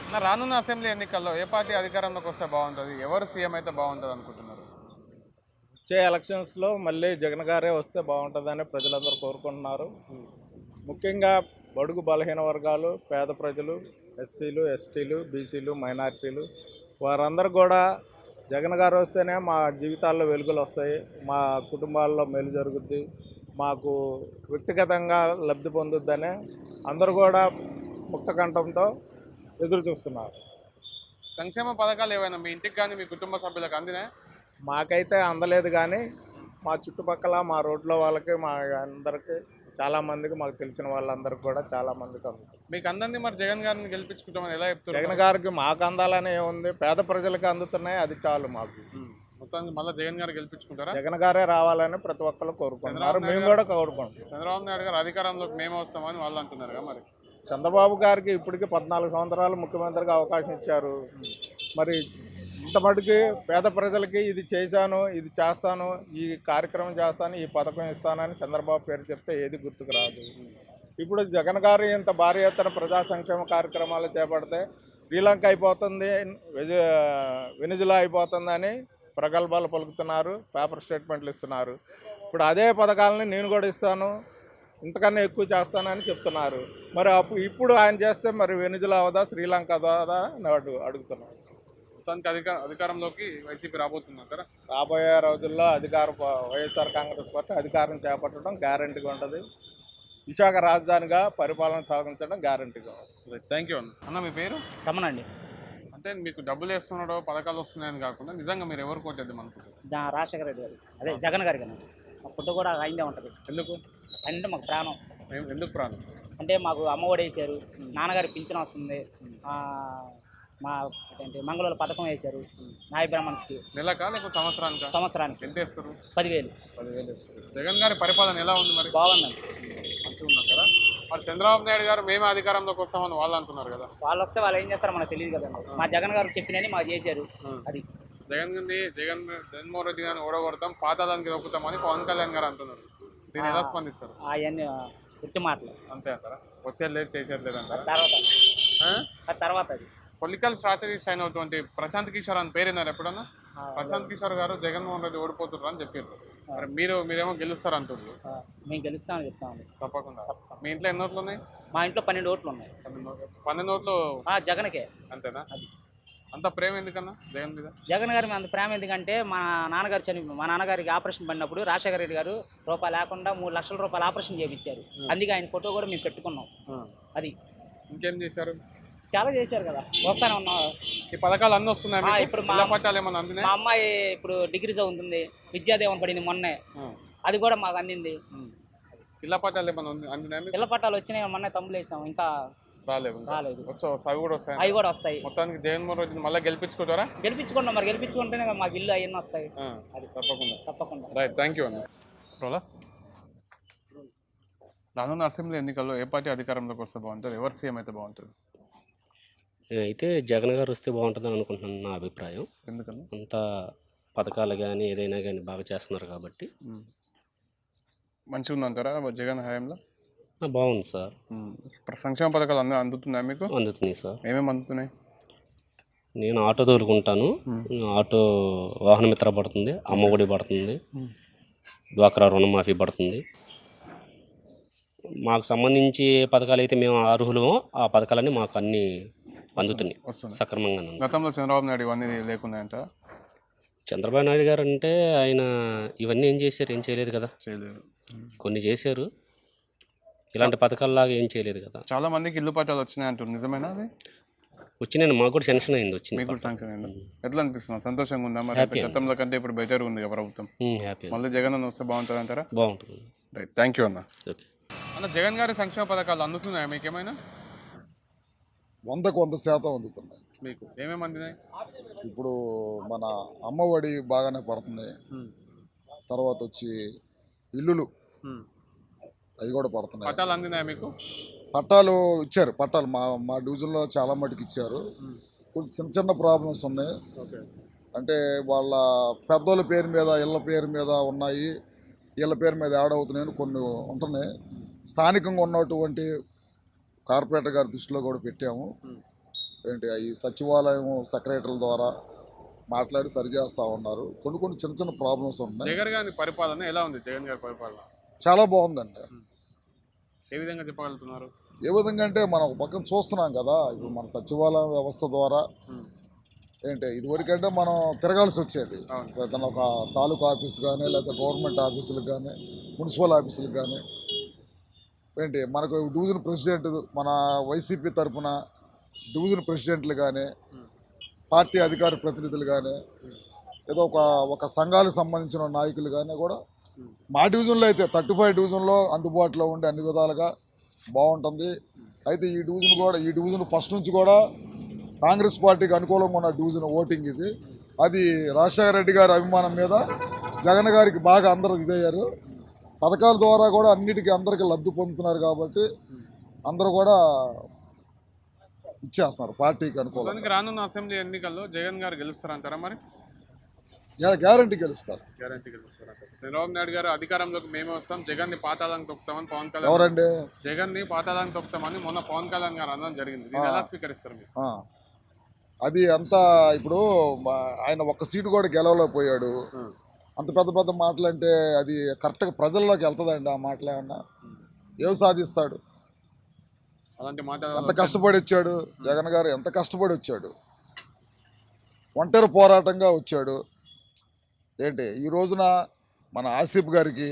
రానున్న అసెంబ్లీ ఎన్నికల్లో ఏ పార్టీ అధికారంలోకి వస్తే బాగుంటుంది, ఎవరు సీఎం అయితే బాగుంటుంది అనుకుంటున్నారు? వచ్చే ఎలక్షన్స్లో మళ్ళీ జగన్ గారే వస్తే బాగుంటుందని ప్రజలందరూ కోరుకుంటున్నారు. ముఖ్యంగా బడుగు బలహీన వర్గాలు, పేద ప్రజలు, ఎస్సీలు, ఎస్టీలు, బీసీలు, మైనారిటీలు వారందరూ కూడా జగన్ గారు వస్తేనే మా జీవితాల్లో వెలుగులు వస్తాయి, మా కుటుంబాల్లో మేలు జరుగుద్ది, మాకు వ్యక్తిగతంగా లబ్ధి పొందుద్దని అందరూ కూడా ముక్తకంఠంతో ఎదురు చూస్తున్నారు. సంక్షేమ పథకాలు ఏవైనా మీ ఇంటికి కానీ మీ కుటుంబ సభ్యులకు అందినాయి? మాకైతే అందలేదు, కానీ మా చుట్టుపక్కల మా రోడ్లో వాళ్ళకి మా అందరికీ చాలామందికి, మాకు తెలిసిన వాళ్ళందరికీ కూడా చాలామందికి అందుతుంది. మీకు అందంది మరి జగన్ గారిని గెలిపించుకుంటామని ఎలా చెప్తారు? జగన్ గారికి మాకు అందాలని ఏముంది, పేద ప్రజలకు అందుతున్నాయి, అది చాలు మాకు. మొత్తానికి మళ్ళీ జగన్ గారు గెలిపించుకుంటారా? జగన్ గారే రావాలని ప్రతి ఒక్కరు కోరుకుంటున్నారు, మేము కూడా కోరుకుంటాం. చంద్రబాబు నాయుడు గారు అధికారంలోకి మేము వస్తామని వాళ్ళు అంటున్నారు కదా. మరి చంద్రబాబు గారికి ఇప్పటికీ 14 సంవత్సరాలు ముఖ్యమంత్రిగా అవకాశం ఇచ్చారు. మరి ఇంత మటుకి పేద ప్రజలకి ఇది చేశాను, ఇది చేస్తాను, ఈ కార్యక్రమం చేస్తాను, ఈ పథకం ఇస్తానని చంద్రబాబు పేరు చెప్తే ఏది గుర్తుకు రాదు. ఇప్పుడు జగన్ గారు ఇంత భారీ ఎత్తున ప్రజా సంక్షేమ కార్యక్రమాలు చేపడితే శ్రీలంక అయిపోతుంది, వెనిజులా అయిపోతుందని ప్రగల్భాలు పలుకుతున్నారు, పేపర్ స్టేట్మెంట్లు ఇస్తున్నారు. ఇప్పుడు అదే పథకాలని నేను కూడా ఇస్తాను, ఇంతకన్నా ఎక్కువ చేస్తానని చెప్తున్నారు. మరి ఇప్పుడు ఆయన చేస్తే మరి వెనిజులా అవదా, శ్రీలంక అవదా అని అడుగుతున్నారు. అధికారంలోకి వైసీపీ రాబోతున్నారు. రాబోయే రోజుల్లో వైఎస్ఆర్ కాంగ్రెస్ పార్టీ అధికారం చేపట్టడం గ్యారంటీగా ఉంటుంది. విశాఖ రాజధానిగా పరిపాలన సాగించడం గ్యారంటీగా ఉంటుంది. థ్యాంక్ యూ అన్న. మీ పేరు? రమణ అండి. అంటే మీకు డబ్బులు వేస్తున్నాడో పథకాలు వస్తున్నాయని కాకుండా నిజంగా మీరు ఎవరు కోటేద్దాం అనుకుంటారు? రాజశేఖర రెడ్డి గారు, అదే జగన్ గారి కన్నా మా ఫుడ్ కూడా అయిందే ఉంటుంది. ఎందుకు అంటే మాకు ప్రాణం. ఎందుకు ప్రాణం అంటే మాకు అమ్మఒడి వేసారు, నాన్నగారి పింఛన్ వస్తుంది, మా ఏంటి మంగళూరు పథకం వేశారు నాయ బ్రాహ్మణ్స్కి. నెలకా లేకపోతే సంవత్సరానికి ఎంత వేస్తారు? 10,000 వేస్తారు. జగన్ గారి పరిపాలన ఎలా ఉంది మరి? బాగుందండి. మంచిగా ఉన్నారు కదా. మరి చంద్రబాబు నాయుడు గారు మేము అధికారంలోకి వస్తామని వాళ్ళు అంటున్నారు కదా. వాళ్ళు వస్తే వాళ్ళు ఏం చేస్తారో మనకు తెలియదు కదండి. మా జగన్ గారు చెప్పినని మాకు చేశారు. అది జగన్మోహన్ రెడ్డి గారిని ఓడగొడతాం, పాతాళానికి దొక్కుతామని పవన్ కళ్యాణ్ గారు అంటున్నారు. దీన్ని ఎలా స్పందిస్తారు? అవన్నీ గుర్తు మాటలు అంతే అంటారా? వచ్చేది లేదు, చేసేది లేదు అంటారా? తర్వాత అది పొలిటికల్ స్ట్రాటజిస్ట్ అయినటువంటి ప్రశాంత్ కిషోర్ అని పేరున్నారు ఎప్పుడన్నా? ప్రశాంత్ కిషోర్ గారు జగన్మోహన్ రెడ్డి ఓడిపోతున్నారు అని చెప్పారు. మరి మీరేమో గెలుస్తారు అంటున్నారు. మేము గెలుస్తామని చెప్తామండి. తప్పకుండా. మీ ఇంట్లో ఎన్ని ఓట్లు ఉన్నాయి? మా ఇంట్లో 12 ఓట్లు ఉన్నాయి. 12 ఓట్లు జగన్కే. అంతేనా? అంత ప్రేమ ఎందుకన్నా జగన్ మీద? జగన్ గారి అంత ప్రేమ ఎందుకంటే మా నాన్నగారికి ఆపరేషన్ పడినప్పుడు రాజశేఖర రెడ్డి గారు రూపాయలు లేకుండా 3 లక్షల రూపాయలు ఆపరేషన్ చేయించారు. అందుకే ఆయన ఫోటో కూడా మేము పెట్టుకున్నాం. అది ఇంకేం చేశారు? చాలా చేశారు కదా. వస్తానే ఉన్నాం. ఈ పథకాలు అన్నీ వస్తున్నాయి. ఇప్పుడు మా అమ్మాయి ఇప్పుడు డిగ్రీ చదువుతుంది, విద్యాదేవన్ పడింది మొన్నే, అది కూడా మాకు అందింది. ఇళ్ల పట్టాలు ఏమన్నా అందినాయి? ఇళ్ల పట్టాలు వచ్చినాయి, మొన్నే తమ్ములు వేసాం, ఇంకా రాలేదు. అవి కూడా వస్తాయి. మొత్తానికి జగన్మోహన్ రెడ్డిని మళ్ళీ గెలిపించుకుంటారా? గెలిపించుకుంటాం. మరి గెలిపించుకుంటేనే మాకు ఇల్లు అవన్నీ వస్తాయి. అది తప్పకుండా. రైట్, థ్యాంక్ యూ అన్న. రానున్న అసెంబ్లీ ఎన్నికల్లో ఏ పార్టీ అధికారంలోకి వస్తే బాగుంటుంది, ఎవరు సీఎం అయితే బాగుంటుంది? నేనైతే జగన్ గారు వస్తే బాగుంటుందని అనుకుంటున్నాను, నా అభిప్రాయం. ఎందుకన్నా? అంత పథకాలు కానీ ఏదైనా కానీ బాగా చేస్తున్నారు కాబట్టి. మంచిగా ఉందంటారా జగన్ హయాంలో? బాగుంది సార్. సంక్షేమ పథకాలు అందుతున్నాయి మీకు? అందుతున్నాయి సార్. ఏమేమి అందుతున్నాయి? నేను ఆటో తోలుకుంటాను, ఆటో వాహన మిత్ర పడుతుంది, అమ్మఒడి పడుతుంది, డ్వాక్రా రుణమాఫీ పడుతుంది. మాకు సంబంధించి పథకాలు అయితే మేము అర్హులమో ఆ పథకాలన్నీ మాకు అన్నీ అందుతున్నాయి సక్రమంగా. గతంలో చంద్రబాబు నాయుడు ఇవన్నీ లేకున్నాయంట. చంద్రబాబు నాయుడు గారు అంటే ఆయన ఇవన్నీ ఏం చేశారు? ఏం చేయలేదు కదా. కొన్ని చేశారు, ఇలాంటి పథకాలలాగా ఏం చేయలేదు కదా. చాలా మందికి ఇల్లు పట్టాలు వచ్చినాయి అంటారు, నిజమేనా? అది వచ్చినాయి, మాకు కూడా శాంక్షన్ అయింది. వచ్చింది. మీకు కూడా శాంక్షన్ అయింది. ఎట్లా అనిపిస్తుంది? సంతోషంగా ఉందా? మరి గతంలో కంటే ఇప్పుడు బెటర్ ఉంది కదా ప్రభుత్వం. హ్యాపీ. మళ్ళీ జగన్ అన్న వస్తే బాగుంటుంది అంటారా? బాగుంటుంది. రైట్, థ్యాంక్ యూ అన్న. అన్న, జగన్ గారి సంక్షేమ పథకాలు అందుతున్నాయా మీకేమైనా? 100% అందుతున్నాయి. మీకు ఏమేమి అందినాయి? ఇప్పుడు మన అమ్మఒడి బాగానే పడుతుంది. తర్వాత వచ్చి ఇల్లులు అవి కూడా పడుతున్నాయి. పట్టాలు అందినాయా మీకు? పట్టాలు ఇచ్చారు. పట్టాలు మా డివిజన్లో చాలా మటుకు ఇచ్చారు. కొంచెం చిన్న చిన్న ప్రాబ్లమ్స్ ఉన్నాయి. అంటే వాళ్ళ పెద్దోళ్ళ పేరు మీద, ఇళ్ళ పేరు మీద ఉన్నాయి, వీళ్ళ పేరు మీద యాడ్ అవుతున్నాయని కొన్ని ఉంటున్నాయి. స్థానికంగా ఉన్నటువంటి కార్పొరేటర్ గారి దృష్టిలో కూడా పెట్టాము. ఏంటి ఈ సచివాలయం సెక్రటరీల ద్వారా మాట్లాడి సరిచేస్తూ ఉన్నారు. కొన్ని చిన్న చిన్న ప్రాబ్లమ్స్ ఉన్నాయి. జగన్ గారి పరిపాలన ఎలా ఉంది? జగన్ గారి పరిపాలన చాలా బాగుందండి. ఏ విధంగా చెప్పగలుగుతున్నారు? ఏ విధంగా అంటే మనం ఒక పక్కన చూస్తున్నాం కదా, ఇప్పుడు మన సచివాలయం వ్యవస్థ ద్వారా ఏంటి ఇదివరకంటే మనం తిరగాల్సి వచ్చేది. ఏదైనా ఒక తాలూకా ఆఫీస్ కానీ లేకపోతే గవర్నమెంట్ ఆఫీసులకు కానీ మున్సిపల్ ఆఫీసులకు కానీ ఏంటి మనకు డివిజన్ ప్రెసిడెంట్ మన వైసీపీ తరఫున డివిజన్ ప్రెసిడెంట్లు కానీ పార్టీ అధికార ప్రతినిధులు కానీ ఏదో ఒక సంఘాలకు సంబంధించిన నాయకులు కానీ కూడా మా డివిజన్లో అయితే 35 డివిజన్లో అందుబాటులో ఉండే అన్ని విధాలుగా బాగుంటుంది. అయితే ఈ డివిజన్ ఫస్ట్ నుంచి కూడా కాంగ్రెస్ పార్టీకి అనుకూలంగా ఉన్న డివిజన్ ఓటింగ్ ఇది. అది రాజశేఖర రెడ్డి గారి అభిమానం మీద జగన్ గారికి బాగా అందరూ ఇదయ్యారు. పథకాల ద్వారా కూడా అన్నిటికీ అందరికీ లబ్ధి పొందుతున్నారు కాబట్టి అందరూ కూడా ఇచ్చేస్తున్నారు పార్టీకి అనుకూలంగా. రానున్న అసెంబ్లీ ఎన్నికల్లో జగన్ గారు గెలుస్తారంటారా? మరి గ్యారంటీ గెలుస్తారు. గ్యారంటీ గెలుస్తారంటారు. చంద్రబాబు నాయుడు గారు అధికారంలోకి మేమే వస్తాం, జగన్ ని పాతాళానికి తొక్కుతామని పవన్ కళ్యాణ్ ఎవరండి? జగన్ ని పాతాళానికి తొక్కుతామని మొన్న పవన్ కళ్యాణ్ గారు అనడం జరిగింది. దీన్ని ఎలా స్వీకరిస్తారు మీరు? అది అంతా ఇప్పుడు ఆయన ఒక్క సీటు కూడా గెలవలేకపోయాడు. అంత పెద్ద మాటలు అంటే అది కరెక్ట్గా ప్రజల్లోకి వెళ్తుందండి? ఆ మాటలు ఏమన్నా ఏం సాధిస్తాడు? అలాంటి మాట ఎంత కష్టపడి వచ్చాడు జగన్ గారు, ఎంత కష్టపడి వచ్చాడు, ఒంటరి పోరాటంగా వచ్చాడు. ఏంటి ఈ రోజున మన ఆసిఫ్ గారికి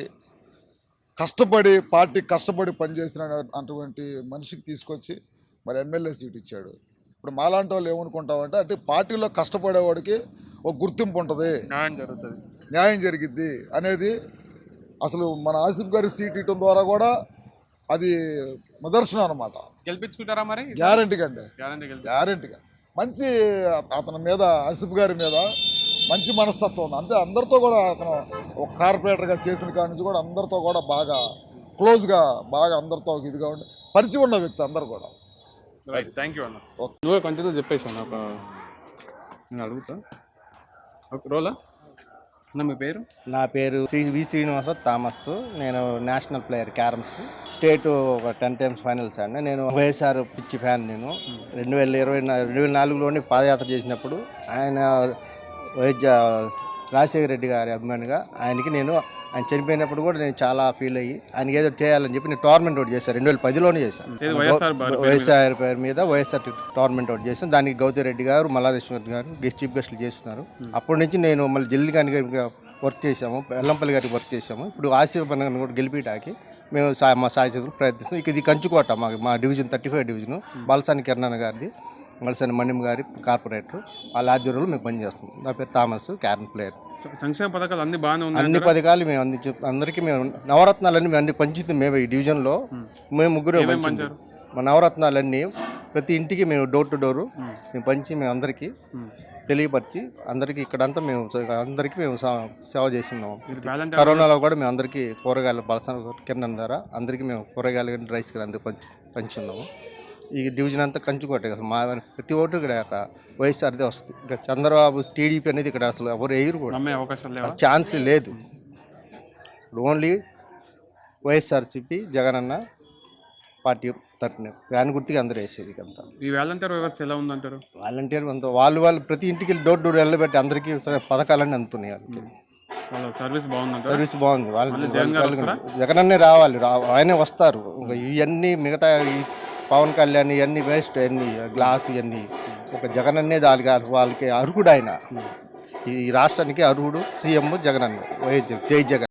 కష్టపడి పనిచేసిన అటువంటి మనిషికి తీసుకొచ్చి మరి ఎమ్మెల్యే సీట్ ఇచ్చాడు. ఇప్పుడు మాలాంటి వాళ్ళు ఏమనుకుంటామంటే అంటే పార్టీలో కష్టపడేవాడికి ఒక గుర్తింపు ఉంటుంది, న్యాయం జరిగిద్ది అనేది అసలు మన ఆసిఫ్ గారి సీట్ ఇవ్వడం ద్వారా కూడా అది నిదర్శనం అనమాట. గెలిపించుకుంటారా మరి? గ్యారంటీగా మంచి అతని మీద ఆసిఫ్ గారి మీద మంచి మనస్తత్వం ఉంది. అంతే అందరితో కూడా అతను ఒక కార్పొరేటర్గా చేసిన కాడి నుంచి కూడా అందరితో కూడా బాగా క్లోజ్గా బాగా అందరితో ఇదిగా ఉండి పరిచయం ఉన్న వ్యక్తి అందరు కూడా. థ్యాంక్ యూ అన్న. నువ్వే కంటిన్యూ చెప్పేసాను. నేను అడుగుతా రోలా అన్న, మీ పేరు? నా పేరు వి శ్రీనివాసరావు థామస్. నేను నేషనల్ ప్లేయర్ క్యారమ్స్, స్టేట్ ఒక 10 times ఫైనల్స్ ఆడినా. నేను వైఎస్ఆర్ పిచ్చి ఫ్యాన్. నేను 2024లోనే పాదయాత్ర చేసినప్పుడు ఆయన రాజశేఖర రెడ్డి గారి అభిమానిగా ఆయన చనిపోయినప్పుడు కూడా నేను చాలా ఫీల్ అయ్యి ఆయనకి ఏదో చేయాలని చెప్పి నేను టోర్నమెంట్ ఒకటి చేశాను. 2010లోనే చేశాను. వైఎస్ఆర్ పేరు మీద వైఎస్ఆర్ టోర్నమెంట్ ఒకటి చేశాను. దానికి గౌతమ్ రెడ్డి గారు, మల్లాదేశ్వర్ గారు చీఫ్ గెస్ట్లు చేస్తున్నారు. అప్పటి నుంచి నేను మళ్ళీ జిల్లి గారికి వర్క్ చేసాము, ఎల్లంపల్లి గారికి వర్క్ చేసాము. ఇప్పుడు ఆసిఫ్ అన్న కూడా గెలిపిటాకి మేము మా సాయశక్తులు ప్రయత్నిస్తాం. ఇది కంచుకోట మా డివిజన్ 35 డివిజను. బాలసాని కిరణ్ గారిది, మలసాని మణిం గారి కార్పొరేటర్, వాళ్ళ ఆధ్వర్యంలో మేము పనిచేస్తాం. నా పేరు థామస్, క్యారమ్ ప్లేయర్. సంక్షేమ పథకాలు అన్ని బాగానే ఉన్నాయి. అన్ని పథకాలు మేము అందరికీ మేము నవరత్నాలన్నీ మేము అన్ని పంచుతాం. మేము ఈ డివిజన్లో మేము ముగ్గురు మా నవరత్నాలన్నీ ప్రతి ఇంటికి మేము డోర్ టు డోరు మేము పంచి మేము అందరికీ తెలియపరిచి అందరికీ ఇక్కడంతా మేము అందరికీ మేము సేవ చేస్తున్నాము. కరోనాలో కూడా మేము అందరికీ కూరగాయలు బలసాన కిరణ్ ద్వారా అందరికీ మేము కూరగాయలు కానీ రైస్ కానీ అందరికి పంచున్నాము. ఈ డివిజన్ అంతా కంచుకోటే కదా. మా ప్రతి ఓటు ఇక్కడ వైఎస్ఆర్దే వస్తుంది. ఇంకా చంద్రబాబు టీడీపీ అనేది ఇక్కడ అసలు ఎవరు ఎగురు కూడా ఛాన్స్ లేదు. ఓన్లీ వైఎస్ఆర్సీపీ జగన్ అన్న పార్టీ తరఫున వ్యాన్ గుర్తికి అందరూ వేసేది. అంతా ఈ వాలంటీర్ వ్యవస్థ ఎలా ఉందంటారు? వాలంటీర్ అంతా వాళ్ళు ప్రతి ఇంటికి డోర్ టు డోర్ వెళ్ళబెట్టి అందరికీ పథకాలన్నీ అందుతున్నాయి. సర్వీస్ బాగుంది. వాళ్ళు జగన్ అన్నే రావాలి, ఆయనే వస్తారు. ఇవన్నీ మిగతా పవన్ కళ్యాణ్ ఇవన్నీ వేస్ట్, అన్ని గ్లాస్ ఇవన్నీ ఒక జగన్ అన్నే వాళ్ళకి అర్హుడు. ఆయన ఈ రాష్ట్రానికి అర్హుడు సీఎం జగన్ అన్న, జై జగన్.